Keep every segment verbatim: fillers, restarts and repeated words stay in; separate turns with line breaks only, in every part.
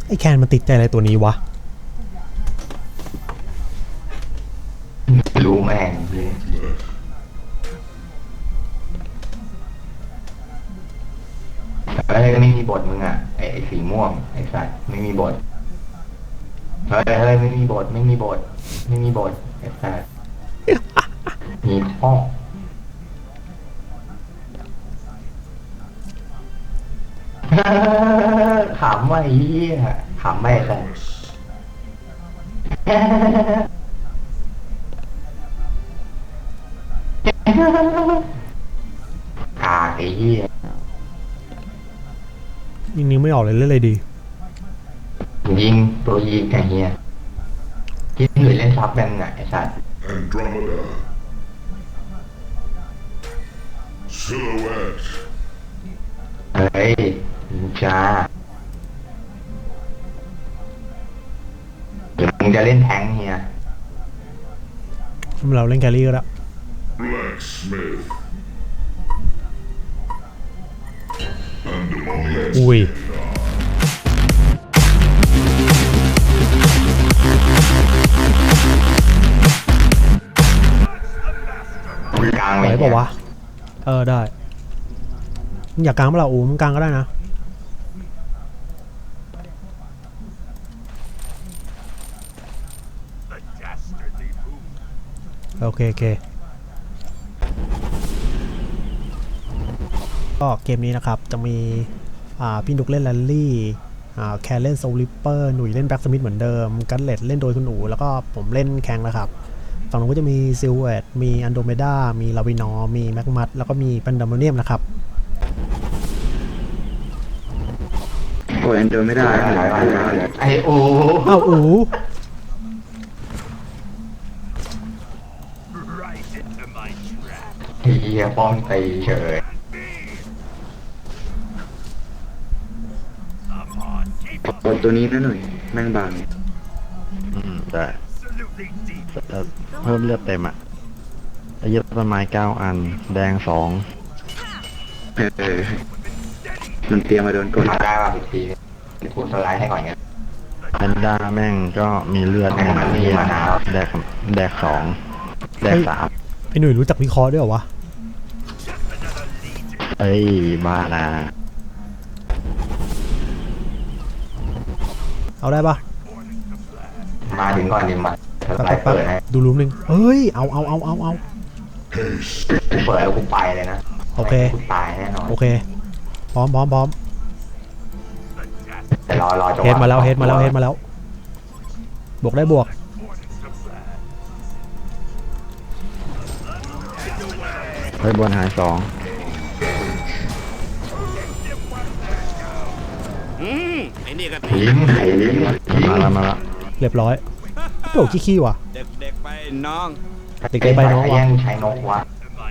ไอ้แคนมันติดใจอะไรตัวนี้วะ
รู้แม่งเลยเฮ้ยไม่มีบทมึงอ่ะไอ้ไอ้สีม่วงไอ้สัตว์ไม่มีบทเฮ้ยเฮ้ยไม่มีบทไม่มีบทไม่มีบทไอ้สัตว์มีข้อขำว่าไอ้เหี้ยขำไม่แต่กากไอ้เหี้ย
ยิงนิ้วไม่ออกเลยเล่นอะไรดี
ยิงตัวยิงไอ้เหี้ยยิงหรือเล่นซับแบงไงไอ้สัตว์
Andromeda. Silhouette.
เฮ้ยนินจาหรือมึงจะเล่นแทงค์เฮีย
เราเล่นแครี่ก็แล้ว
Blacksmith. And
อุ้ย
กลาง
ไห
เล
วย เปล่าวะเออได้มึงอยากกลางเปล่าอูมึงกลางก็ได้นะโอเคโอเคก็เกมนี้นะครับจะมีอ่าพี่นุกเล่นแรลลี่อ่าแคนเล่นโซลิปเปอร์หนุ่ยเล่นแบ็กสมิธเหมือนเดิมกันเลตเล่นโดยคุณหนูแล้วก็ผมเล่นแข่งนะครับฝั่งนู้นก็จะมีซิลเวตมีอันโดเมดามีลาวินอร์มีแมกมัตแล้วก็มีแพนดามเนียมนะครับ
โอ้ยอันเดินไม่ได้
ไอ้โอ้
อ้าวอู
เฮียป้องตีเฉย
โอ้ตัวนี้นะหน่อยแม่งบาง
อืมได้แต่เพิ่มเลือดเต็มอ่ะอายุต้นไม้เก้าอันแดงสอง
เออมันเตรียมมาโดนกด
มาได้ป่ะอีกทีกูสไลด์ให้ก่อนไง
แพนด้าแม่งก็มีเลือดหนึ่ง
มันมีมะนาว
แดกแดกสองแดกสาม
ไอ้หนุ่ยรู้จักวิเคราะห์ด้วยเหรอวะ
เอ้ยบ้านะ
เอาได้ปะ
มาถึงก่อนดิมาสไล
แป๊บ
ด์
แป๊บ
เปิดให้
ดูรูมหนึ่งเฮ้ยเอาเอาเอาเอาเอา
กูเปิดแล้วกูไปเลยนะ
โอเค
กูตายแน่นอน
โอเคพร้อมพร้อมพร้อม
แต่รอรอจังหวะ
เฮดมาแล้วเฮดมาแล้วเฮดมาแล้วบวกได้บวก
เฮ้ยบนหายสอง
ลิ้นไข่ลิ้น
มาแล้วมาแล้ว
เรียบร้อยโดดขี้ขี้ว่ะ
เด็กๆไปน้อง
เด็กๆไปน้องวะ
แย่งใช้นกวะ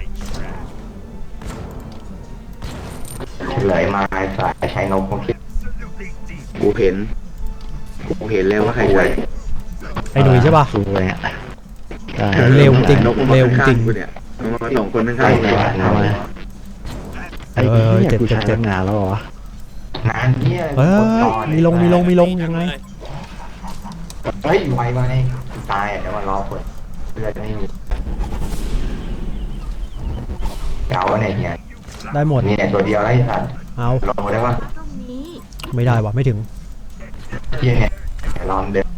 เฉลยมาสายใช้นกผมคิด
กูเห็นกูเห็นแล้วว่าใครใส่
ไอ้หนุ่ยใช่ปะ
สู้เลยอ่ะได้
เร็วจริง
นกมัน
เร็ว
มา
จริ
ข้าง งๆกูเนี่ยมันมาสองคนข้างๆกู
ทำไมไอ้
เออ
เหี้ย
เจ็บ
กู
เจ็บ
ใช้
เจ็บ
ตั้งนานแล้วเหรอ
นานเนี้ย
เฮ้ยมีลงมีลงมีลงยังไง
เฮ้ยไวมาเลยตายเดี๋ยวมารอคนเลือดไม่มีเก๋าเนี่ยเฮีย
ได้หมด
นี่เนี่ยตัวเดียวไล่สัตว์
เอา
ลงได้ปะ
ไม่ได้ว่ะไม่ถึง
เฮียเนี่ยลองเดิน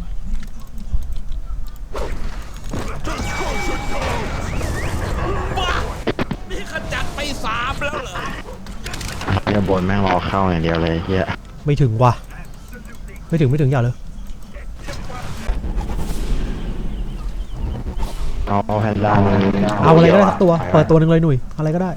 นี่ขจัดไปสามแล้วเหรอ
เฮียบนแม่งรอเข้าอย่างเดียวเลยเฮีย
ไม่ถึงว่ะไม่ถึงไม่ถึงอย่าเลย
เอาเอาแพนด้ามา
เอาอะไรก็ได้สักตัวเปิดตัวหนึ่งเลยหนุ่ยอะไรก็ได้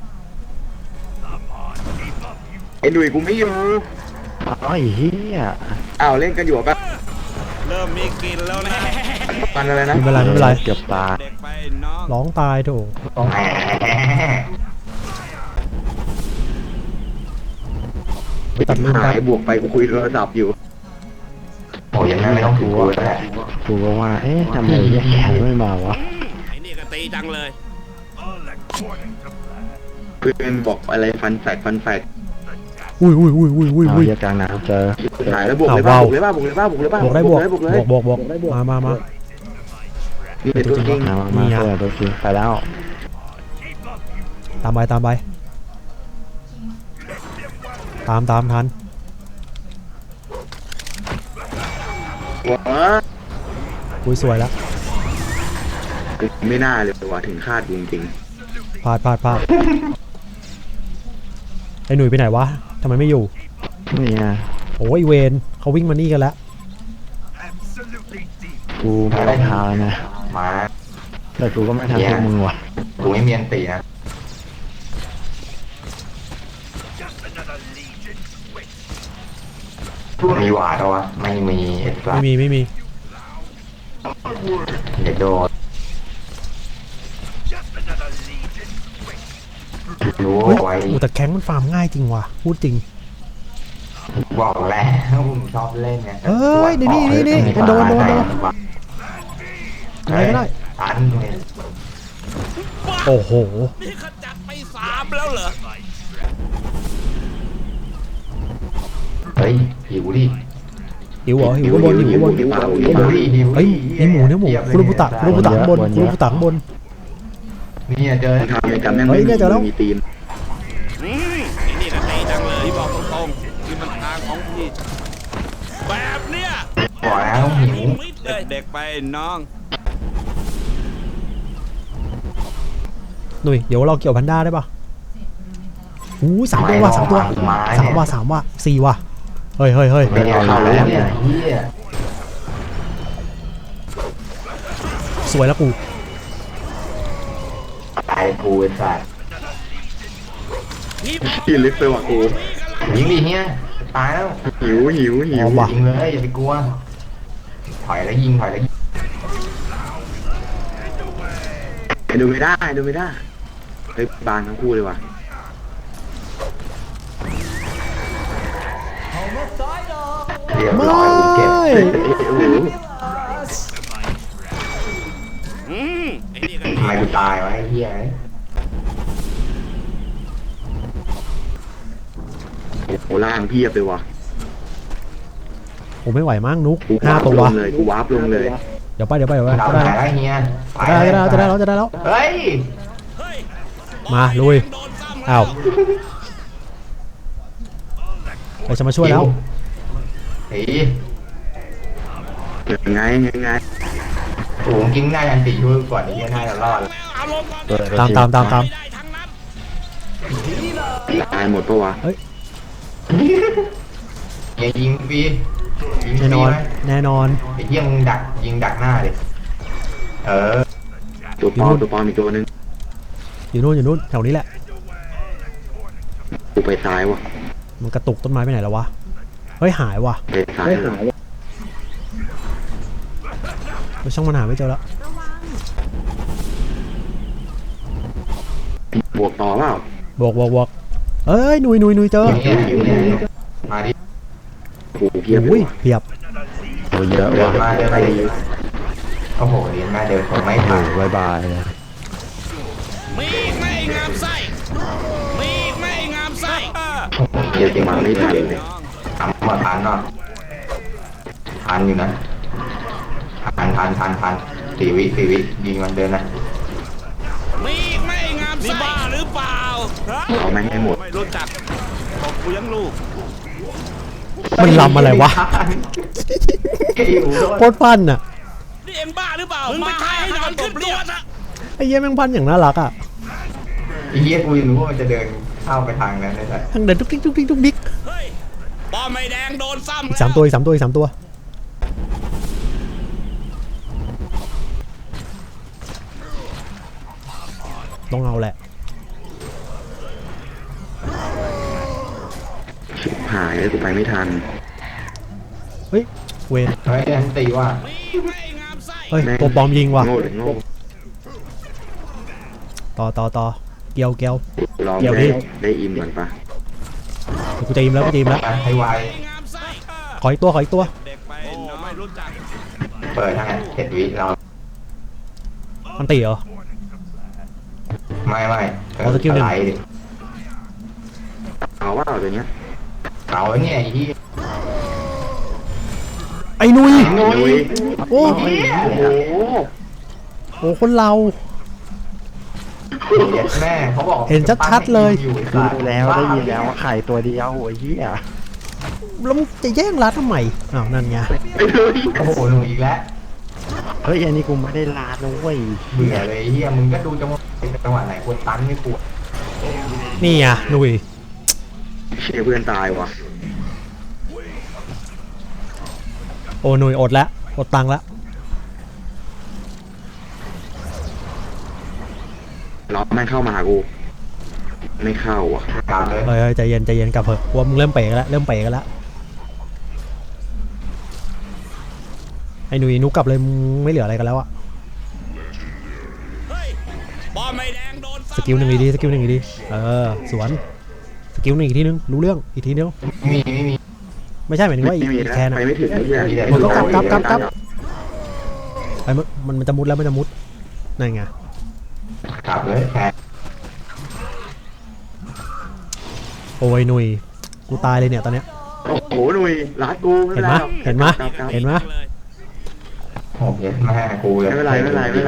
ไอ้หนุ่ยกูไม่อยู่
ไอ้เฮีย
อ้าวเล่นกันอยู่ปะ
เริ่มมีกลิ่นแล้วนะ
กันอะไรนะ
ไม่เป็นไรไม่เป็นไร
เกือบตาย
เด็กไปน้อง
ร้องตายโถ
แหม
ตัดลูก
หา
ได้
ยบวกไปกูคุยโทรศัพท์อยู่
โอ้ยยังไงไม่ต้องถูกกูแล้วแหละ
กูก็ว่าเอ๊ะทำไมเฮียแขนไม่มาวะ
ไอ้นี่ก็ตีจังเลย
เพื่อนบอกอะไรฟันแฟกฟันแฟก
อุ้ยอุ้ยอุ้ยอุ้ยอุ้ย
เอา
อุ้ย
เหี้ยกลางน้ำเจอ
หายแล้วบวกเลยป่ะบวกเลยป่ะบวกเลยป่ะบวกเลยป่ะ
บวกได้บวก
เลยบวกเลย
บวกบวกบวกมามามา
นี่เป็นตัวจริง
มามามาเพื่อนตัวจริงไปแล้ว
ตามไปตามไปตามตามทัน
ว้า
อุ้ยสวยแล้ว
ไม่น่าเลยว่ะถึงคาดจริง
พลาดพลาดพลาดไอ้หนุ่ยไปไหนวะทำไมไม่อยู่
นี่ไง
โอ้ยเวนเขาวิ่งมานี่กันแล้ว
กูไม่ได้ทานนะ
มา
แต่กูก็ไม่ทันพวกมึงว่ะ
กูไม่มีอันตีนะมีหวาดเหรอวะไม่มีเอ็ด
ไม่มีไม่มี
เด็กโดนรู้
เฮ้ย
ไว้
โอ้แต่แข้งมันฟาร์มง่ายจริงว่ะพูดจริง
บอกแล้วผมชอบเล่นไง
เอ้ยนี่นี่นี่นี่โดนโดนโดน อะไรก็ได้
ตันเลย
โอ้โห
นี่ขจัดไปสามแล้วเหรอ
เฮ้ยหิวดิ
หิวเหรอหิวก็บนหิวก็บน
หิวดิหิว
เฮ้ยนี่หมูเนี่ยหมูคุรุบุตะคุรุบุตะข้างบนคุรุบุตะข้างบน
นี่เจอ
ๆทำเลยจำแม่ง
เฮ้
ไม่
ยเนี่ยเจอแล้ว
มีตีน
อืมไอ้นี่ก็ตีจังเลยที่บอกตรงๆที่มันทางของพี่ แบบเนี้ย
บอกแล้วหิว
มิดเลยเด็กไปน้อง
หนุ่ยเดี๋ยวเราเกี่ยวแพนด้าได้ปะอู้สามตัวว่ะสามตัวสามว่ะสามว่ะสี่ว่ะเฮ้ยเฮ้ยเฮ้ย
ไม่ได้เข้าแล้วเนี่ยเฮีย
สวยแล้วกู
ตายกูไอ้สัส
กินลิฟต์ไปว่ะกู
ยิงดิเฮียตายแล้ว
หิวหิวหิว
เอาว่ะ
ยิงเลยอย่าไปกลัวถอยแล้วยิงถอยแล้วยิง
ดูไม่ได้ดูไม่ได้เฮ้ยบานทั้งคู่เลยว่ะ
เรียบ
ไม่
ร้อยกูเก็บ
เฮ้ยโอ้โห
อืมไอ้นี่ก็
ทำไมกูตายวะไอ้เฮีย
โอ้โหล่างเพียบเลยว่ะ
ผมไม่ไหวมั้งนุก
กู
ห้าว
าร์ป
ตั
ล
ว
งเลยกูวาร์ปลงเลย
เดี๋ยวไปเดี๋ยวไปเดี๋ยวไป
เรา
ก็ได้
ถ่ายแล้วเฮีย
จะได้จะได้แล้วจะได้แล้วจะได้แล้ว
เฮ้ย
เฮ้ย
มาลุย
โดนซ้ำ
อ้าวเราจะมาช่วยแล้ว
เฮ้ย
ยังไงยังไง
โอ้กินง่ายอันตีช่วยก่อนไอ้เฮียน่าจะรอด
แล้วอารมณ์
เปิด
ตามตามตามตาม
ไม่ได้ทั้งนั้น
ตายหมดปะวะ
เฮียยิงฟรียิงฟ
แน่น
รี
อน
ไหม
แน่นอน
ไอ้เฮียมึงดักยิงดักหน้าดิเออ
ตัวปลอมตัวปลอมอีกตัวนึง
อยู่นู่นอยู่นู่นแถวนี้แหละ
กูไปซ้ายวะ
มันกระตุกต้นไม้ไปไหนแล้ววะเฮ้ยหายว่ะ
ไปซ้ายเลย
เฮ้ยช่างมันหาไม่เจอแล้ว
บวกต่อเปล่า
บวกบวกบวกเอ้ยหนุ่ยหนุ่ยหนุ่ยเจอ
เฮียหิวเนี่ยมาดิ
โอ้โหเพียบเล
อุ้
ย
ย
ว่ะ
เพียบ
โอ้เยอะ
เดิน
ว่ะ
มาเดินมาดิโอ้โหเรียนมาเดินคงไม่
โอ้
ผ่าน
บายบายเลย
มีอีกไหม่งามไส้มีอีกไหม่งามไส้เออ
เพียบมาไม่ทันเลย
น้อง
ทำมาทันเนาะทันอยู่นะทันทันทันทันสี่วิสี่วิยิงมันเดินนะ
มีอีกไหม่งามไส้นี่บ้าหรือเปล่าฮะ
เอาแม่งให้หมด
ไม่รู้จักบอกกูยังลูก
มันลำอะไรวะ
หิวโดน
โคตรฟันอ่ะ
นี่เอ็งบ้าหรือเปล่ามึงไปทายให้นอนขึ้นตัวซะ
ไอ้เหี้ยแม่งพันอย่างน่ารักอ่ะ
ไอ้เหี้ยกูยังรู้ว่ามันจะเดินเข้าไปทางนั้นได้ไง
ทั้งเดินทุกทิกทุกทิกทุกดิก
เฮ้ยป้อมไม่แดงโดนซ้ำ
อีกสามตัวอีกสามตัวอีกสามตัวต้องเอาแหละ
ชิบหายเลยกูไปไม่ทัน
เฮ้ยเวน
เฮ้ยอันตีว่า
มีอีกไหม่งามไส้
เฮ้ยตัวปลอมยิงว่ะ
โง่เลยโง่
ต่อต่อต่อเกียวเกียว
ลอง
เดี๋ยว
ได้
ดิ
ได้อินก่อนปะ
เดี๋ยวกูจะอิ่มแล้วกูจะอิ่มแล้ว
ให้ไว
งามไส้เออ
ขออีกตัวขออีกตัว
เด็กไปน้องไม่รู้จัก
เปิดทางเจ็ดวิเรา
มันตีเหรอ
ไม่ไม่
เอาสกิลหนึ่ง
ไลด์ดิ
เอาว่าตัวเนี้ย
เอาแล้วเนี่ยไอ้ที่
ไอ้นุย
โอ้ย
โอ้
โอ้โห
โหคนเรา
เย็ดแม่เขาบอก
เห็นชัดๆเลย
อยู่ไอ้
กู
สัต
รู้แล้วได้ยินแล้วว่าไข่ตัวเดียวโอ้ยเหี้ย
แล้วมึงจะแย่งรัดทำไมอ้าวนั่นไง
ไอ้เลย
โอ้โหหนูอีกแล้ว
เฮ้ยอันนี้กูไม่ได้ลาดนะเว้ย
เบื่อเลยไอ้เฮียมึงก็ดูจังหวะจังหวะไหนควรตันไม่ควร
นี่ไงนุย
เชี่ยเพื่อนตายว่ะ
โอ้นุยอดแล้วอดตังค์แล้ว
ล็อกแม่งเข้ามาหากู ไม่เข้าอ่ะ
กลับเลย
เฮ้ยเฮ้ยใจเย็นใจเย็นกลับเถอะว่ามึงเริ่มเป๋กันแล้วเริ่มเป๋กันแล้วไอ้นุยนุกกลับเลยมึงไม่เหลืออะไรกันแล้วอะ
เฮ้ยบอลไม่แดงโดน
สกิลหนึ่งอีกทีสกิลหนึ่งอีกทีเออสวนสกิลหนึ่งอีกทีนึงรู้เรื่องอีกทีเดียว
ไม่มีไม่มี
ไม่ใช่หมายถึงว่า
ไม่มี
อีก
นะ
แค่นะ
ไปไม่ถึงไอ้เหี้ย
มันก็กลับกลับกลับกลับ ไอ้มันมันมันจะมุดแล้วมันจะมุดนั่นไง
กลับเลยแค่
โอ้ยนุยกูตายเลยเนี่ยตอนเนี้ย
โอ้โหหนุ่ยรัดกู
เห็นไหมเห็นไหม
กลับกลับ
เห็นไหม
เลย
โอ้เย็ดแม่กูเลย
ไม่เป็นไรไม่เป็นไรไม่เป็นไร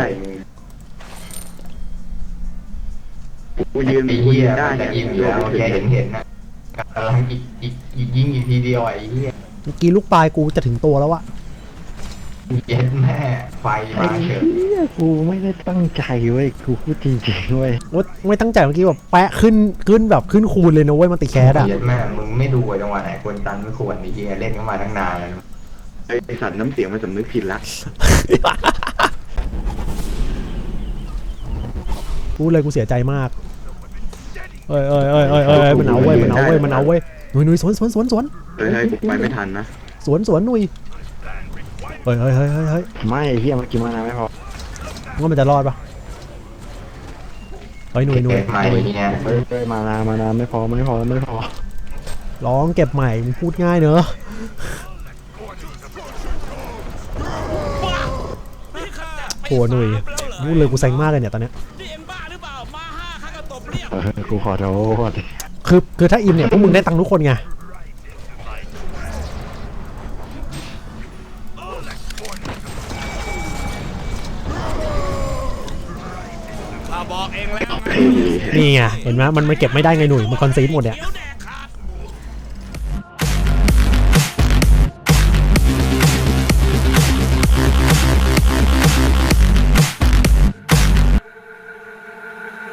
กูยืน
ไอ้
กู
เหี้
ยื
ย
นได้
มันจะ
เนี่ย
อิ่มอยู่แล้วแค่เห็นเห็นนะกำลังอีกอีกอีกยิงอีกทีเดียวไอ้เหี้ย
เมื่อกี้ลูกปลายกูจะถึงตัวแล้วอะ
เย็ดแม่ไฟ
ไอ้
มาเฉย
เหี้ยกูไม่ได้ตั้งใจเว้ยกูพูดจริงๆเว้ย
โอ๊ยไม่ตั้งใจเมื่อกี้แบบแปะขึ้นขึ้นแบบขึ้นคูณเลยนะเว้ยมันติแคสอะ
เย็ดแม่มึงไม่ดูไอ้จังหวะไหนควรตันไม่ควรไอ้เหี้ยเล่นกันมาตั้งนานแล้ว
ไอ้สัตว์น้ำเสียงมันสำนึกผิดละ
พูดเลยกูเสียใจมากเอ้ยเอ้ยเอ้ยเอ้ยเอ้ยมันเอาเว้ยมันเอาเว้ยมันเอาเว้ยหนุยหนุยสวนสวนสวนสวน
เฮ้ยเฮ้ยกูไปไม่ทันนะ
สวนสวนหนุยเฮ้ยเฮ้ยเฮ้ยเฮ้ยเฮ้ย
ไม่ไอ้เหี้ยเมื่อกี้มานาไม่พอ
ว่ามันจะรอดปะเฮ้ยหนุยหนุย
เก็บใหม่เนี่ย
เฮ้ยเฮ้ยมานามานาไม่พอไม่พอไม่พอ
ร้องเก็บใหม่มึงพูดง่ายเนอะ
นี่ค่ะ
โอ้หนุยพูดเลยกูเซ็งมากเลยเนี่ยตอนเนี้ย
นี่เอ็งบ้าหรือเปล่ามาห้าข้าก็ตบเรียบ
เออกูขอโทษ
คือคือถ้าอิมเนี่ยพวกมึงได้ตังค์ทุกคนไง
ข้าบอกเองแล้วไง
เฮ้ย
นี่ไงเห็นไหมมันมันเก็บไม่ได้ไงหนุยมันคอนซีดหมดเนี่ย
นิ้วแด